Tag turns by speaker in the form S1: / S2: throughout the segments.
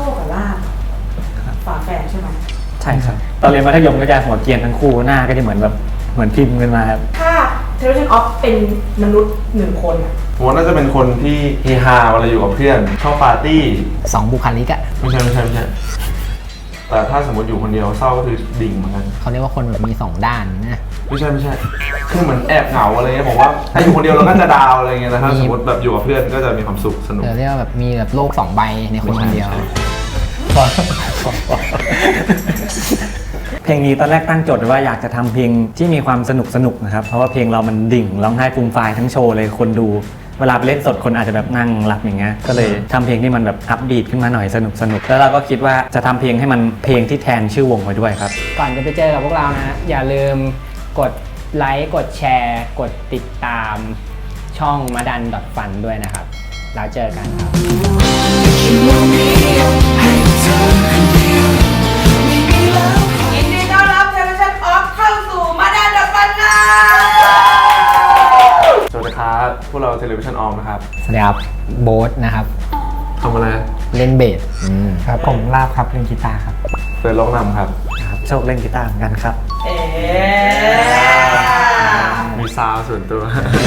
S1: คกับลาบฝาแฝดใช่ไหม
S2: ใช่ครับตอนเรียนมัธยมก็จะหัวเกรียนทั้งคู่หน้าก็จะเหมือนแบบเหมือนพิมพ์กันมาครับ
S1: ถ้าเทเลชันออฟเป็นมนุษย์หนึ่งคนอะ
S3: ผมว่าน่าจะเป็นคนที่เฮฮาเวลาอยู่กับเพื่อนชอบปาร์ตี้
S4: 2 บุคลิกอะ
S3: ไม่ใช่แต่ถ้าสมมติอยู่คนเดียวเศร้าก็คือดิ่งเหมือนกัน
S4: เขาเรียกว่าคนแบบมี2 ด้านนะ
S3: ไม่ใช่คือเหมือนแอบเหงาอะไรเงี้ยผมว่าถ้าอยู่คนเดียวเราก็จะดาวอะไรเงี้ยนะถ้าสมมติแบบอยู่กับเพื่อนก็จะมีความสุขสนุก
S4: เรียกว่าแบบมีแบบโลก2 ใบในคนคนเดียว
S2: เพลงนี้ตอนแรกตั้งโจทย์ไว้ว่าอยากจะทำเพลงที่มีความสนุกนะครับเพราะว่าเพลงเรามันดิ่งร้องไห้ฟูมฟายทั้งโชว์เลยคนดูเวลาไปเล่นสดคนอาจจะแบบนั่งหลับอย่างเงี้ยก็เลยทำเพลงที่มันแบบอัพบีทขึ้นมาหน่อยสนุกแล้วเราก็คิดว่าจะทำเพลงให้มันเพลงที่แทนชื่อวงไว้ด้วยครับ
S4: ก่อนจะไปเจอกับพวกเรานะอย่าลืมกดไลค์กดแชร์กดติดตามช่องมาดัน.fun ด้วยนะครับแล้วเจอกันครับ
S1: ยินดีต้อนรับเทเลชันออฟเข้าสู่มาดัน.funนะ
S3: สวัสดีครับพวกเราเทเลวิชันออมนะครับ
S4: สวัสดีครับโบ๊ทนะครับ
S3: ทำอะไร
S4: เล่นเบส
S2: ครับผมลาบครับเล่นกีตาร์ครับ
S3: เปิดร้องนำครับ
S2: โชคเล่นกีตาร์เหมือนกันครับ
S3: มีซาวส่วนตัว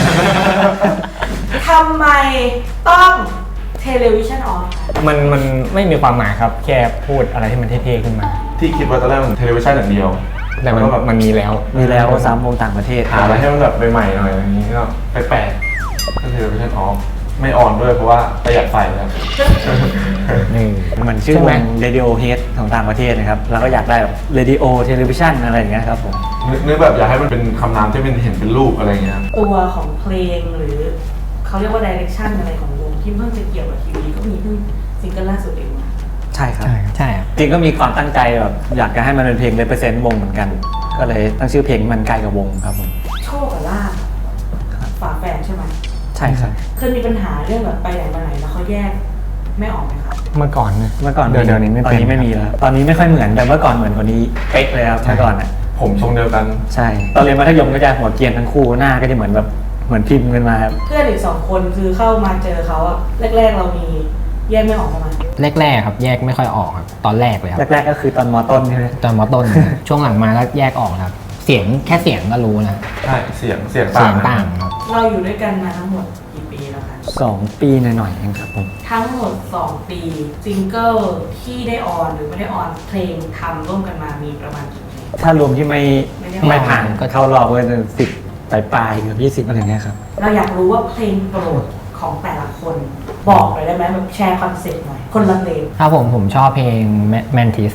S1: ทำไมต้องเทเลวิชันออฟ
S2: มันไม่มีความหมายครับแค่พูดอะไรที่มันเท่ๆขึ้นมา
S3: ที่คิดว่าตอนแรกมันเทเลวิชันอย่างเดียว
S2: แต่มันมีแล้ว3 วงต่างประเทศ
S3: หาอะไรให้มันแบบใหม่ๆหน่อยอย่างนี้ก็แปลกๆก็เทเลวิชันออฟไม่ออนด้วยเพราะว่าประหยัดไฟครับ
S2: เหมือนชื่อวง Radiohead ของต่างประเทศนะครับแล้วก็อยากได้แบบ Radio Television อะไรอย่างเงี้ยครับผม
S3: นึกแบบอยากให้มันเป็นคำนามที่เห็นเป็นรูปอะไรเงี้ย
S1: ตัวของเพลงหรือเขาเรียกว่าดิเรกชันอะไรของวงที่เพิ่งจะเกี่ยวกับทีวีก็มีเพิ่งซิงเกิลล่าสุดเองนะ
S2: ใช่ครับ
S4: ใช่
S2: จริงก็มีความตั้งใจแบบอยากจะให้มันเป็นเพลง represent วงเหมือนกันก็เลยตั้งชื่อเพลงมันใกล้กับวงครับผม
S1: โชคกับลาบฝาแฝดใช่ไหม
S2: ใช่ครับ
S1: เคยมีปัญหาเรื่องแบบไปไหนมาไหนแล้วเขาแยกไม่ออกไหมครับ
S2: เมื่อก่อนเดี๋ยวนี้ไม่ตอนนี้ไม่มีแล้วตอนนี้ไม่ค่อยเหมือนแต่เมื่อก่อนเหมือนกว่านี้เป๊ะเลยครับเมื่อก่อนอ่ะ
S3: ผมทรงเดียวกัน
S2: ใช่ตอนเรียนมัธยมก็จะหัวเกรียนทั้งคู่หน้าก็จะเหมือนแบบเหมือนพิมพ์กันมาครับ
S1: เพื่อนอีก2 คนคือเข้ามาเจอเขาอะแรกๆเรามีแยกไม่ออกประมาณ
S4: แรกๆครับแยกไม่ค่อยออกครับตอนแรกเลยครับ
S2: แรกๆก็คือตอนม.ต้นใช่ไหม
S4: ตอนม.ต้น ช่วงหลังมาก็แยกออกครับเสียงแค่เสียงก็รู้นะ
S3: ใช่เสียง
S4: ต่างครับ
S1: เราอยู่ด้วยกันมาทั้งหมดกี่ปีแล้วคะ
S2: 2 ปีหน่อยๆเองครับผม
S1: ทั้งหมด2 ปีซิงเกิลที่ได้ออนหรือไม่ได้ออนเพลงทำร่วมกันมามีประมาณกี่เพลง
S2: ถ้ารวมที่ไม่ผ่านก็เข้ารอบก็จะ10 ปลายเกือบ20อะไรเงี้ยครับ
S1: เราอยากรู้ว่าเพลงโปรดของแต่ละคนบอกหน่อยได้ไหมแบบแชร์คอนเซ็ปต์หน่อยคนละเพลง
S4: ครับผมชอบเพลง Mantis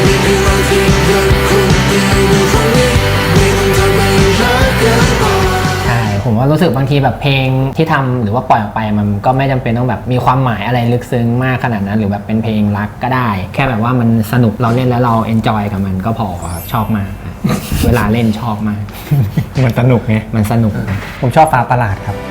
S4: ใช่ผมว่ารู้สึกบางทีแบบเพลงที่ทำหรือว่าปล่อยออกไปมันก็ไม่จำเป็นต้องแบบมีความหมายอะไรลึกซึ้งมากขนาดนั้นหรือแบบเป็นเพลงรักก็ได้แค่แบบว่ามันสนุกเราเล่นแล้วเราเอนจอยกับมันก็พอครับชอบมากเวลาเล่นชอบมาก
S2: มันสนุกไง
S4: มันสนุก
S2: ผมชอบฟ้าประหลาดครับ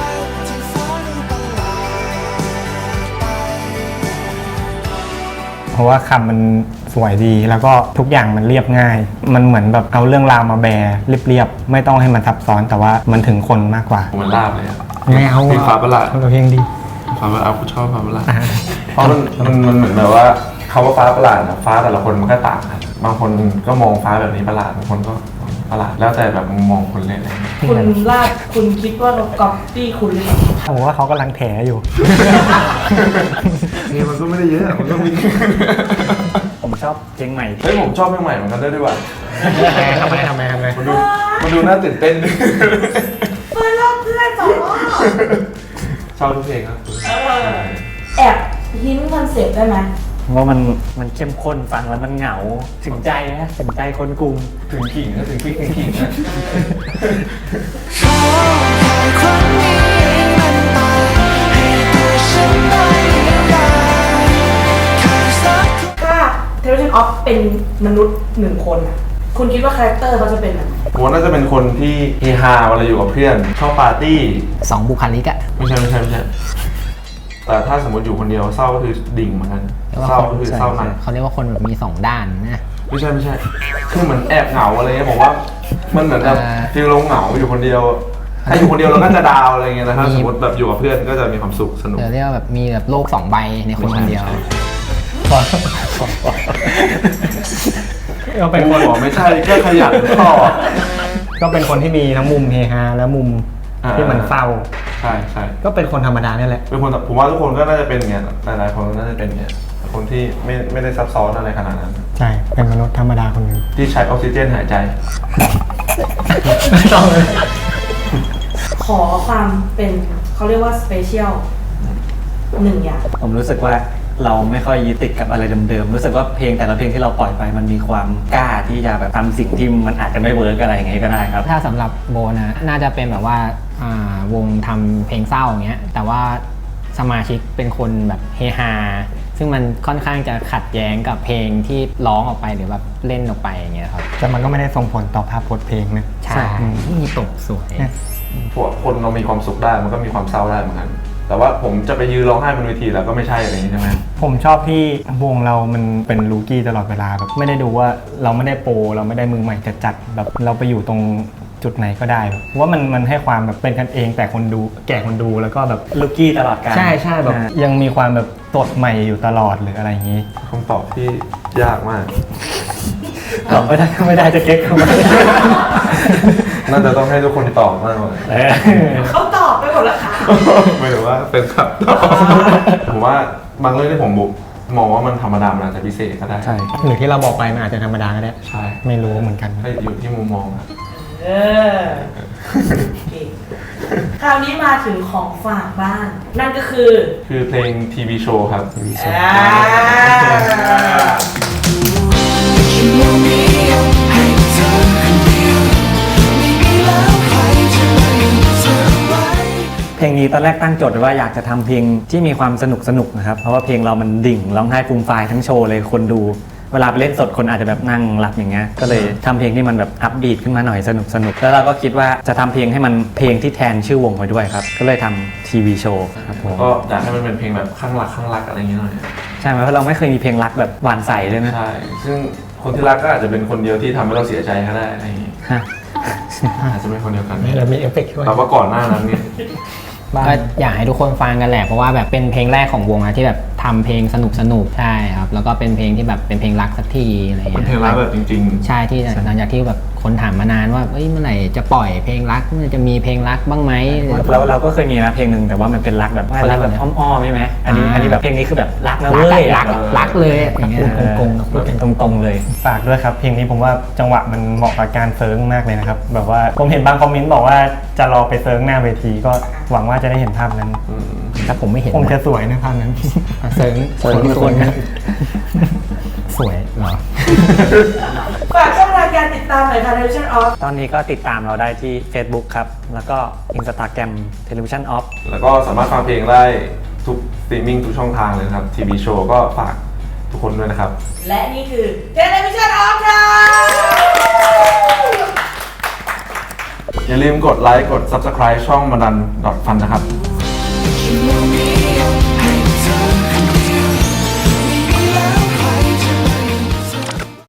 S2: เพราะว่าคำมันสวยดีแล้วก็ทุกอย่างมันเรียบง่ายมันเหมือนแบบเอาเรื่องราวมาแบเรียบๆไม่ต้องให้มันซับซ้อนแต่ว่ามันถึงคนมากกว่า
S3: มันลาบเลย
S2: ไม่เอา
S3: เพลงฟ้าประหลาด
S2: เพลงดี
S3: ฟ้าประหลาดกูชอบฟ้าประหลาดเพราะมันเหมือนแบบว่าคำว่าฟ้าประหลาดฟ้าแต่ละคนมันก็ต่างกันบางคนก็มองฟ้าแบบนี้ประหลาดบางคนก็ประหลาดแล้วแต่แบบมองคนเล่นอะไร
S1: คุณลาบคุณคิดว่าเราก๊อปปี้คุณหรือเปล่า
S2: ผมว่าเขากำลังแถอยู่
S3: นี่มันก็ไม่ได้เยอะมันก็มี
S2: ผมชอบเพลงใหม่
S3: เฮ้ยผมชอบเพลงใหม่เหมือนกันด้วยว่ะ
S2: ทำไม
S3: มันดูน่าตื่นเต้น
S1: เพื่อนรอบเพื่อนต่อ
S3: ชอบทุกเพลงครับ
S1: แอบฮินคอนเซ็ปต์ได้ไหม
S2: ว่ามันเข้มข้นฟังแล้วมันเหงาถึงใจนะถึงใจคนกรุง
S3: ถึงขิงนะถึงพริกถึงขิงนะ
S1: ถ้าเทเลชันออฟเป็นมนุษย์1 คนอะคุณคิดว่าคาแรคเตอร์เขาจะเป็นอะไร
S3: ผมน่าจะเป็นคนที่เฮฮาเวลาอยู่กับเพื่อนชอบปาร์ตี้
S4: 2 บุคลิกอะ
S3: ไม่ใช่แต่ถ้าสมมติอยู่คนเดียวเศร้าก็คือดิ่งเหมือนกันเศร้าก็คือเศร้าหนัก
S4: เขาเรียกว่าคนแบบมี2 ด้านนะ
S3: ไม่ใช่คือเหมือนแอบเหงาอะไรเงี้ยผมว่ามันเหมือนแบบฟีลเราเหงาอยู่คนเดียวถ้าอยู่คนเดียวเราก็จะดาวอะไรเงี้ยนะถ้าสมมติแบบอยู่กับเพื่อนก็จะมีความสุขสนุก
S4: เรียกว่าแบบมีแบบโลก2 ใบในคนคนเดียวก็เป็นคน
S3: บอกไม่ใช่ก็ขยันตอบ
S4: ก็เป็นคนที่มีทั้งมุมเฮฮาและมุมที่มันเศร้า
S3: ใช่ใช่
S4: ก็เป็นคนธรรมดาเนี่ยแหละ
S3: เป็นคนผมว่าทุกคนก็น่าจะเป็นอย่างเงี้ยหลายๆคนก็น่าจะเป็นอย่างเงี้ยคนที่ไม่ได้ซับซ้อนอะไรขนาดนั้น
S4: ใช่เป็นมนุษย์ธรรมดาคนหนึง
S3: ที่ใช้ออกซิเจนหายใจ
S4: ไม่ต้องเลย
S1: ขอความเป็นเขาเรียกว่าสเปเชียลหนึ่งอย่าง
S2: ผมรู้สึกว่าเราไม่ค่อยยึดติดกับอะไรเดิมๆรู้สึกว่าเพลงแต่ละเพลงที่เราปล่อยไปมันมีความกล้าที่จะแบบทำสิ่งที่มันอาจจะไม่เวิร์กอะไรอย่างเงี้ยก็ได้ครับ
S4: ถ้าสำหรับโบนะน่าจะเป็นแบบว่าวงทำเพลงเศร้าอย่างเงี้ยแต่ว่าสมาชิกเป็นคนแบบเฮฮาซึ่งมันค่อนข้างจะขัดแย้งกับเพลงที่ร้องออกไปหรือแบบเล่นออกไปอย่างเงี้ยครับแต่มันก็ไม่ได้ส่งผลต่อภาพพจน์เพลงนะใช่มีตกสวย
S3: พวกคนเรามีความสุขได้มันก็มีความเศร้าได้เหมือนกัน แต่ว่าผมจะไปยืนร้องไห้บนเวทีแล้วก็ไม่ใช่อะไรอย่างนี้ใช่ไหม
S5: ผมชอบที่วงเรามันเป็นลูกี้ตลอดเวลาแบบไม่ได้ดูว่าเราไม่ได้โปรเราไม่ได้มือใหม่จะจัดแบบเราไปอยู่ตรงจุดไหนก็ได้แบบว่ามันให้ความแบบเป็นกันเองแต่คนดูแก่คนดูแล้วก็แบบ
S2: ลูกี้ตลอดกาล
S5: ใช่ใช่แบบยังมีความแบบสดใหม่อยู่ตลอดหรืออะไรอย่างนี้
S3: คำตอบที่ยากมาก
S2: ตอบไม่ได้ก็ไม่ได้จะเก๊กเข้ามา
S3: น่าจะต้องให้ทุกคนตอบมากกว่า
S1: เขาตอบไปหมดแล้วค่ะ
S3: ไม่ถือว่าเป็นครับตอบผมว่าบางเรื่องที่ผมมองว่ามันธรรมดามันอาจจะพิเศษก็ได้
S5: ใช่หรือที่เราบอกไปมันอาจจะธรรมดาก็ได้
S3: ใช่
S5: ไม่รู้เหมือนกัน
S3: ให้อยู่ที่มุมมองครับ
S1: เออเก่งคราวนี้มาถึงของฝากบ้าง นั่นก็คือ
S3: คือเพลงทีวีโชว์ครับ
S1: อ่า
S2: เพลงนี้ตอนแรกตั้งโจทย์ไว้ว่าอยากจะทำเพลงที่มีความสนุกนะครับเพราะว่าเพลงเรามันดิ่งร้องไห้ฟูมฟายทั้งโชว์เลยคนดู เวลาไปเล่นสดคนอาจจะแบบนั่งหลับอย่างเงี้ยก็เลยทำเพลงที่มันแบบอัพบีทขึ้นมาหน่อยสนุกแล้วเราก็คิดว่าจะทำเพลงให้มันเพลงที่แทนชื่อวงไปด้วยครับก็เลยทำทีวีโชว์ครับผม
S3: ก็อยากให้มันเป็นเพลงแบบข้างรักอะไรอย่างเงี้ยหน่อย
S2: ใช่ไหมเพราะเราไม่เคยมีเพลงรักแบบหวานใสเลยนะ
S3: ใช่ ซึ่งคนที่รักก็อาจจะเป็นคนเดียวที่ทำให้เราเสียใจก็ได้อะไรอย่างงี้
S2: ฮะ
S3: อาจจะเป็นคนเดียวกัน
S5: แล้วมีเอฟเฟกต์ด้วย
S3: แต่ว่าก่อนหน้านั้นเนี่ย
S4: ก็อยากให้ทุกคนฟังกันแหละเพราะว่าแบบเป็นเพลงแรกของวงนะที่แบบทำเพลงสนุกใช่ครับแล้วก็เป็นเพลงที่แบบเป็นเพลงรักสักทีอะไรอย่าง
S3: เป็
S4: เงี้
S3: นเพลงรักแบบจริง
S4: ใช่ที่หลังจากที่แบบคนถามมานานว่าเอ้ยเมื่อไหร่จะปล่อยเพลงรักเมื่อจะมีเพลงรักบ้างไหม
S2: เราก็เคยมีนะเพลงหนึ่งแต่ว่ามันเป็นรักแบบรักแบบอ้อมๆใช่ไหมอันนี้แบบเพลงนี้คือแบบรักนะเว้ย
S4: รักเลยอย่างเงี้ย
S2: พูดโกงๆพูดตรงๆเลย
S5: ฝากด้วยครับเพลงนี้ผมว่าจังหวะมันเหมาะกับการเซิร์งมากเลยนะครับแบบว่าผมเห็นบางคอมเมนต์บอกว่าจะรอไปเซิร์งหน้าเวทีก็หวังว่าจะได้เห็นภาพนั้น
S4: แต่ผมไม่เห็น
S5: ผมจะสวยในภาพนั้น
S4: เซิร์ง
S2: คนครับ
S4: สวยเหรอ
S1: ฝากช่องทางการติดตามหน่อยค่ะ Television Off
S2: ตอนนี้ก็ติดตามเราได้ที่ Facebook ครับ แล้วก็ Instagram Television Off
S3: แล้วก็สามารถฟังเพลงได้ทุกสตรีมมิ่งทุกช่องทางเลยนะครับทีวีโชว์ก็ฝากทุกคนด้วยนะครับ
S1: และนี่คือ Television Off ค่ะ
S3: อย่าลืมกดไลค์กด Subscribe ช่องมาดัน.ฟันนะครับ
S6: You know me